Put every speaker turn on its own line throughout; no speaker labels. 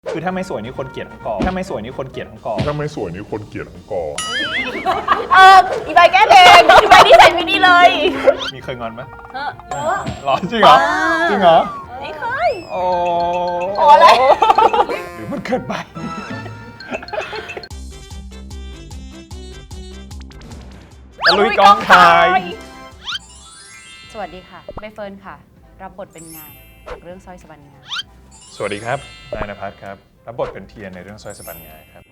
คือถ้าไม่สวยนี่คนเกลียดทั้งกองถ้าไม่สวยนี่คนเกลียดทั้งกอง
ถ้าไม่สวยนี่คนเกลียดทั้งกอง
อีใบแก้เพลงอีใบที่ใส่ไม่ดีเลย
มีเคยงอนไหม
เออ
หรอจริงเหรอจริงเหรอ
ไม่เคย
โอ้
โอ้อะไร
หรือมันเกินไปตะลุยกองถ่าย
สวัสดีค่ะใบเฟิร์นค่ะ รับบทเป็นงานจากเรื่องสร้อยสวรรค์งาน
สวัสดีครับนายณภัทรครับรับบทเป็นเทียนในเรื่องสร้อยสะบันงาครับ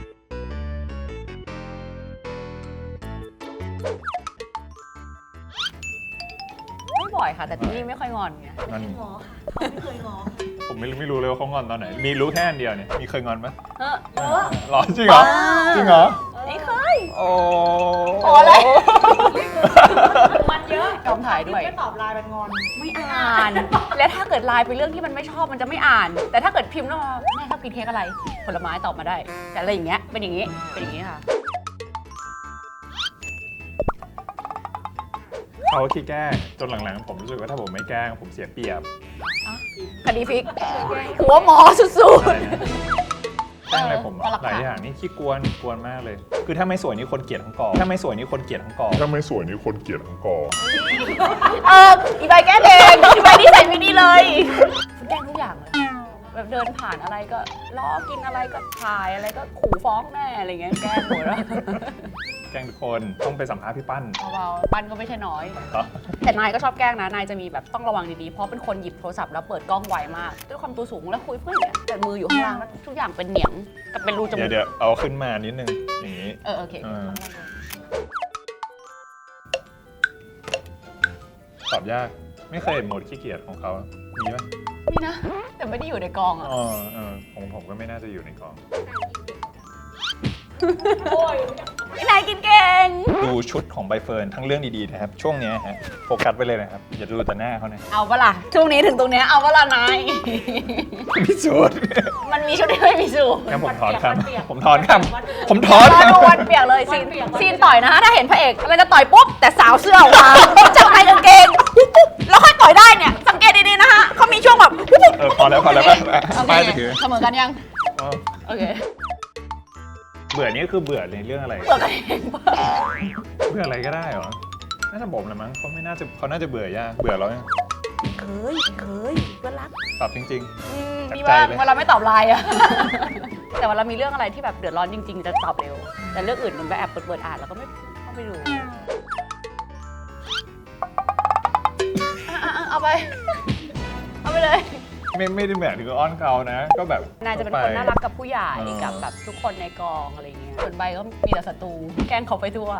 ไม่บ่อยค่ะ แต่ที่นี่ไม่ค่อยงอนไง
งอน
ง้อค่ะเขาไม่เคยง้อ
ผมไม่รู้เลยว่าเขางอนตอนไหนมีรู้แค่อันเดียวเนี่ยมีเคยงอนไหม
เออ
หรอจริงเหรอจริงเหรอ
ไม่เคย
โอ้
โอ้อะไร
มันเยอะ
กองถ่ายด้วย
ไม่ตอบไลน์มันงอน
ไม่อ่าน และถ้าเกิดไลน์เป็นเรื่องที่มันไม่ชอบมันจะไม่อ่าน แต่ถ้าเกิดพิมพ์แล้วมาแม่ชอบกินเค้กอะไร ผลไม้ตอบมาได้ แต่อะไรอย่างเงี้ยเป็นอย่างงี้เป็นอย่างงี้ค่ะ
เขาขี้แกล้งจนหลังๆผมรู้สึกว่าถ้าผมไม่แกล้งผมเสียเปรียบ
คดีพลิกหัวหมอสุด
อะไรนะแกล้งอะไรผม
ก็หลัก
หลาย
ฐาน
อย่างนี่ขี้กวนมากเลย คือถ้าไม่สวยนี่คนเกลียดทั้งกองถ้าไม่สวยนี่คนเกลียดทั้งกอง
ถ้าไม่สวยนี่คนเกลียดทั้งกอง
ๆอีใบแก้เพลงอีใบที่ใส่ไม่ดีเลยแกล้งทุกอย่างเลยแบบเดินผ่านอะไรก็ล้อกินอะไรก็ถ่ายอะไรก็ขู่ฟ้องแม่อะไรเงี้ยแกล้งหมดแล้ว
แกล้งทุกคนต้องไปสัมภาษณ์พี่ปั้น
เบาๆปั้นก็ไม่ใช่น้อย
เหรอ
แต่นายก็ชอบแกล้งนะ นายจะมีแบบต้องระวังดีๆ เพราะเป็นคนหยิบโทรศัพท์แล้วเปิดกล้องไวมาก ด้วยความตัวสูงแล้วคุยเพื่อนเนี่ยแต่มืออยู่ข้างล่างแล้วทุกอย่างเป็นเหนียงกับเป็นรูจมูก
เดี๋ยวเอาขึ้นมานิดนึงอย่างนี้
โอเค
ตอบยากไม่เคยเห็นโหมดขี้เกียจของเขามีไหม
นี่นะ แต่ไม่ได้อยู่ในกองอ่ะ
ผมก็ไม่น่าจะอยู่ในกอง
โอ้ย
นายกินเก่ง
ดูชุดของใบเฟิร์นทั้งเรื่องดีๆนะครับ ช่วงเนี้ยฮะโฟกัสไปเลยนะครับ อย่าดูแต่หน้าเขานะ
เอาปะล่ะ ช่วงนี้ถึงตรงเนี้ยเอาปะล่ะนาย
พิสูจน์
มันมีชุดที่ไม่มีสูตร
งั้นผมถอนค
วันเปียก
ำผมถอนคำผมถอน
รอ
ค
ดูวันเปียกเลยซีน
วันเปียก
ซีนต่อยนะคะถ้าเห็นพระเอกอะไรจะต่อยปุ๊บแต่สาวเสื้อออกมาจากในกางเกงปุ๊บแล้วค่อยต่อยได้เนี่ยสังเกตดีๆนะคะเขามีช่วงแบบปุ๊บ
พอแล้วไป
โอ
ไป
เค
ถือ
เสมอกันยัง
อ๋อ
โอเค
เบื่อนี่คือเบื่อในเรื่องอะไร
เปิดกันเองปะ
เบื่ออะไรก็ได้เหรอน่าจะบ่มแหละมั้งเขาน่าจะเบื่อยากเบื่อแล้วเนี่ย
เคยเพื่อนรัก
ตอบจริง
มี
จั
บ้าง
ดใจเลย
เวลาไม่ตอบไลน์อะ แต่เวลามีเรื่องอะไรที่แบบเดือดร้อนจริงๆ จะตอบเร็ว แต่เรื่องอื่นมันก็แอบเปิดอ่านแล้วก็ไม่เข้าไปดูเอาไป เอาไปเลย
ๆไม่ได้แบบถึงกับอ้อนเขานะ ก็แบบ
นายจะเป็นคนน่ารักกับผู้ใหญ่
เออ
กับแบบทุกคนในกองอะไรเงี้ยส่วนใบก็มีแต่ศัตรูแกล้งเขาไปทั่ว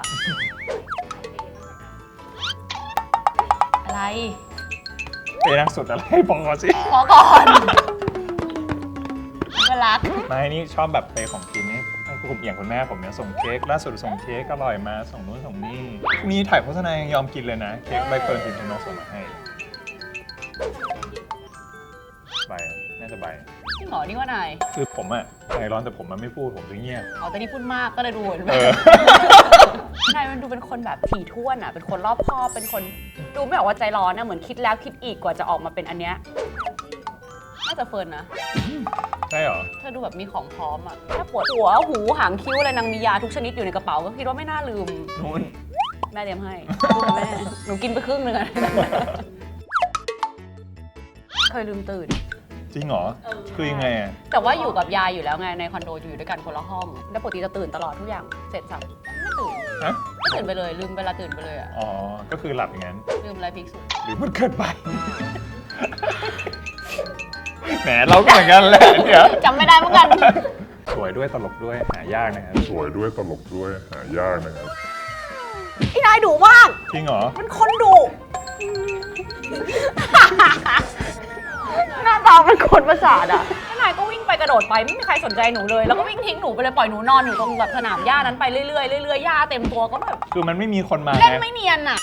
อะไร
ไปนักสุดอะไรบอกก่อนสิ
ขอก่อนก็รัก
ไม่นี่ชอบแบบไปของกินนี่ให้คุณอย่างคุณแม่ผมเนี่ยส่งเค้กล่าสุดส่งเค้กอร่อยมาส่งนู้นส่งนี่มีถ่ายโฆษณายังยอมกินเลยนะเค้กใบเฟิร์นพิมพ์ชนกส่งมาให้ใบน่าจะใบ
พี่หมอนี่ว่านาย
คือผมอะใจร้อนแต่ผมมันไม่พูดผมจะเงียบ
อ๋อแต่นี่พูดมากก็เลยดูเหมือน
เออ
นายมันดูเป็นคนแบบถี่ถ้วนอ่ะ เป็นคนรอบคอบ เป็นคนดูไม่ออกว่าใจร้อนนะเหมือนคิดแล้วคิดอีกกว่าจะออกมาเป็นอันเนี้ย น่าจะเฟิร์นนะ
ใช่เหรอ
เธอดูแบบมีของพร้อมอ่ะถ้าปวดหัวหูหางคิ้วอะไรนางมียาทุกชนิดอยู่ในกระเป๋าก็คิดว่าไม่น่าลืม
นู่น
แม่เตรียมให้ดูกับแม่ หนูกินไปครึ่งนึงอะ เคยลืมตื่น
จริงเหรอคือยังไงอะ
แต่ว่าอยู่กับยายอยู่แล้วไงในคอนโดอยู่ด้วยกันคนละห้อง แล้วปกติจะตื่นตลอดทุกอย่าง เสร็จสับไม่ตื่น
ฮะ
ไม่ตื่นไปเลยลืมเวลาตื่นไปเลยอ่ะ
อ๋อก็คือหลับอย่างนั้น
ลืมอะไรพิกสุด
หรือมันเกินไป แหมเราก็เหมือนกันแหละเนี่ย
จำไม่ได้เหมือนกัน
สวยด้วยตลกด้วยหายากนะครับ
สวยด้วยตลกด้วยหายากนะครับ
พี่นายดุมาก
จริงเหรอ
เป็นคนดุ หน้าตาเป็นคนประสาทอ่ะพี่นายก็วิ่งไปกระโดดไปไม่มีใครสนใจหนูเลย แล้วก็วิ่งทิ้งหนูไปเลยปล่อยหนูนอนอยู่ตรงแบบสนามหญ้านั้นไปเรื่อยๆเรื่อยๆหญ้าเต็มตัวก็แบบ
คือมันไม่มีคนมา
เล่น
ไง
ไม่เนียนอ่ะ